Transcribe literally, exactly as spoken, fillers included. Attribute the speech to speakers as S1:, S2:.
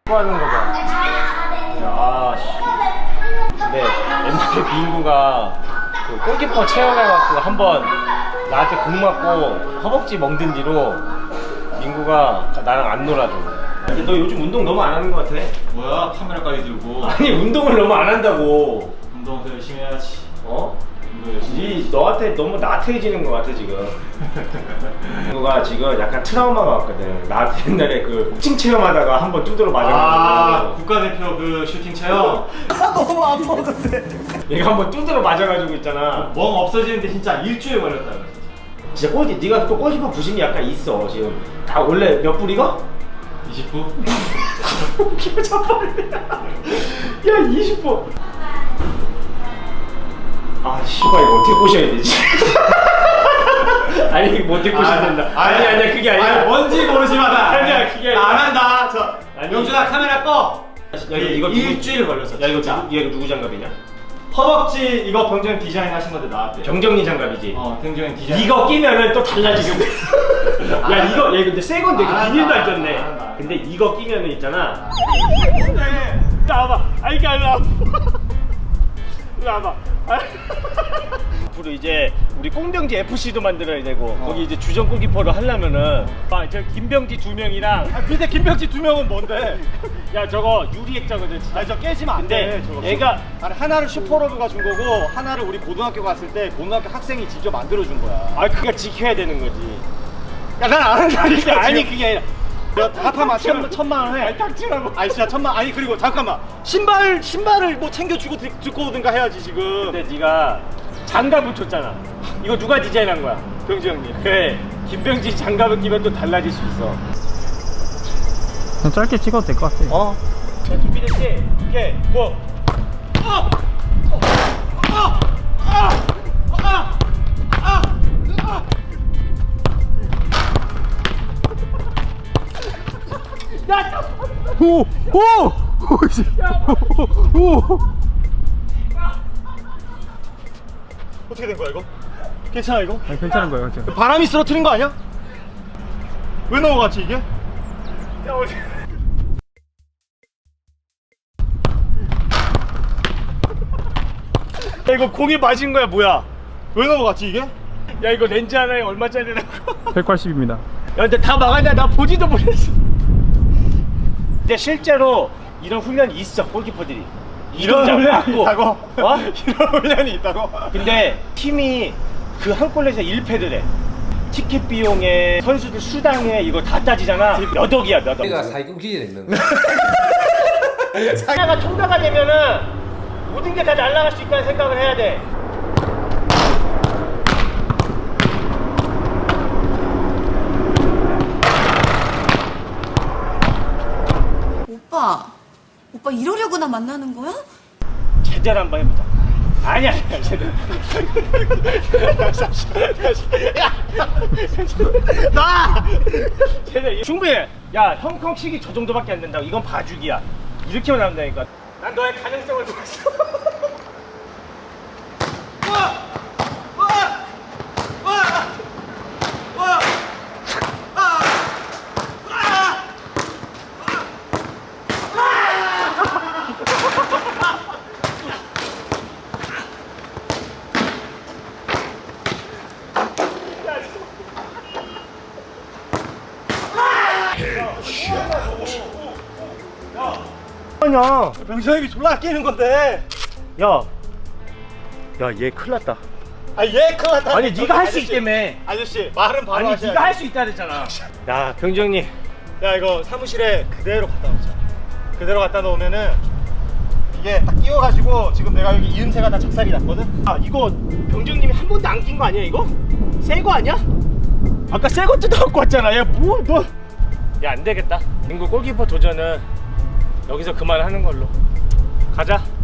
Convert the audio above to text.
S1: 하는 거 봐. 야, 씨. 근데 옛날에 민구가 그 골키퍼 체험해갖고 한번 나한테 공 맞고 허벅지 멍든 뒤로 민구가 나랑 안 놀아줘. 너 요즘 운동 너무 안 하는 거 같아.
S2: 뭐야? 카메라까지 들고.
S1: 아니 운동을 너무 안 한다고.
S2: 운동 더 열심히 해야지.
S1: 어?
S2: 운동 열심히.
S1: 니 너한테 너무 나태해지는 거 같아 지금. 민구가 지금 약간 트라우마가 왔거든. 나한테 옛날에 그 복싱 체험하다가 한번 두드러
S2: 아,
S1: 맞아가지고.
S2: 국가대표 그 슈팅 체험.
S3: 너무 아파 근데.
S1: 얘가 한번 두드러 맞아가지고 있잖아.
S2: 멍 없어지는데 진짜 일주일 걸렸다.
S1: 진짜 골키, 네가 또 골키퍼 부심이 약간 있어 지금. 다 원래 몇 불이가?
S2: 이십 분?
S1: 기분 잡아야 야 이십 분. 아 씨발 이거 어떻게 꼬셔야 되지? 아니 이거 어떻게 꼬셔야 된다. 아니 아니야 그게 아니야.
S2: 아니 뭔지 모르지만 나
S1: 아니야 그게 아니야.
S2: 안 한다. 저
S1: 아니.
S2: 영준아 카메라 꺼.
S1: 야 이거 누구-
S2: 일주일 걸렸어.
S1: 야 이거
S2: 진짜.
S1: 누구, 얘 누구 장갑이냐?
S2: 허벅지 이거 병정 디자인 하신 건데 나왔대.
S1: 정정리 장갑이지.
S2: 어, 병정 디자인.
S1: 이거 끼면은 또 달라지거든. 야 이거 얘 근데 새 건데
S2: 안
S1: 비닐도 안
S2: 한다,
S1: 쪘네.
S2: 안 한다.
S1: 근데 이거 끼면은 있잖아.
S2: 네.
S1: 나와봐. 아이 까 일로 와봐. 일로 와봐. 앞으로 이제 우리 꽁병지 에프씨도 만들어야 되고
S2: 어.
S1: 거기 이제 주전 골키퍼를 하려면은 아, 저 김병지 두 명이랑
S2: 아, 밑에 김병지 두 명은 뭔데?
S1: 야 저거 유리액자거든 진짜.
S2: 아니 저 깨지면 안
S1: 근데
S2: 돼. 저거.
S1: 얘가
S2: 아니 하나를 슈퍼로브가 준 거고 하나를 우리 고등학교 갔을 때 고등학교 학생이 직접 만들어 준 거야.
S1: 아 그니까 지켜야 되는 거지.
S2: 야 난 안 한다니까.
S1: 아니 그게 아니라
S2: 내가 다 합하면 천, 천만 원 해.
S1: 아니 닥치라고.
S2: 아니 진짜 천만. 아니 그리고 잠깐만 신발 신발을 뭐 챙겨 주고 드- 듣고 오든가 해야지 지금.
S1: 근데 네가 장갑을 줬잖아. 이거 누가 디자인한 거야? 병지 형님. 그래 김병지 장갑을 끼면 또 달라질 수 있어.
S3: 그냥 짧게 찍어도 될 것 같아.
S1: 어? 자 준비됐지? 오케이 고! 어! 어! 어! 아! 아! 아! 아! 야! 저-
S3: 오! 오! 오! 씨. 오! 오!
S2: 어떻게 된 거야 이거? 괜찮아 이거?
S3: 아니, 괜찮은 거예요, 괜찮아.
S2: 바람이 쓰러뜨린 거 아니야? 왜 넘어갔지 이게?
S1: 야 어디? 야 이거 공이 맞은 거야 뭐야?
S2: 왜 넘어갔지 이게?
S1: 야 이거 렌즈 하나에 얼마짜리라고?
S3: 백팔십입니다.
S1: 야 근데 다 막았냐? 나 보지도 못했어. 근데 실제로 이런 훈련이 있어 골키퍼들이.
S2: 이런
S1: 잡고.
S2: 훈련이 있다고?
S1: 어?
S2: 이런 훈련이 있다고?
S1: 근데 팀이 그 한 골에서 일 패를 해. 티켓 비용에 선수들 수당에 이거 다 따지잖아. 몇 억이야 몇 억.
S4: 우리가 사기꾼 기질이 있는 거야.
S1: 하나가 통과가 되면은 모든 게 다 날아갈 수 있다는 생각을 해야 돼.
S5: 오빠, 오빠 이러려고나 만나는 거야?
S1: 제대로 한번 해보자. 아니야, 아니야, 제대로.
S2: 나!
S1: 제대로. 충분해. 야, 형평 시기 저 정도밖에 안 된다고. 이건 봐주기야. 이렇게만 하면 되니까. 난 너의 가능성을 보았어. 아니야.
S2: 병선이 졸라 아끼는 건데.
S1: 야, 야, 얘 큰일 났다.
S2: 아 얘 큰일 났다.
S1: 아니, 네가 할 수 있다며.
S2: 아저씨 말은 바로
S1: 아니,
S2: 하셔야지.
S1: 네가 할 수 있다 그랬잖아. 야, 병정님.
S2: 야 이거 사무실에 그대로 갖다 놓자. 그대로 갖다 놓으면은 이게 딱 끼워가지고 지금 내가 여기 이음새가 다 작살이 났거든.
S1: 아, 이거 병정님이 한 번도 안 낀 거 아니야, 이거? 새 거 아니야? 아까 새 거 뜯어갖고 왔잖아. 야, 뭐, 너. 야, 안 되겠다. 민구 골키퍼 도전은 여기서 그만하는 걸로. 가자.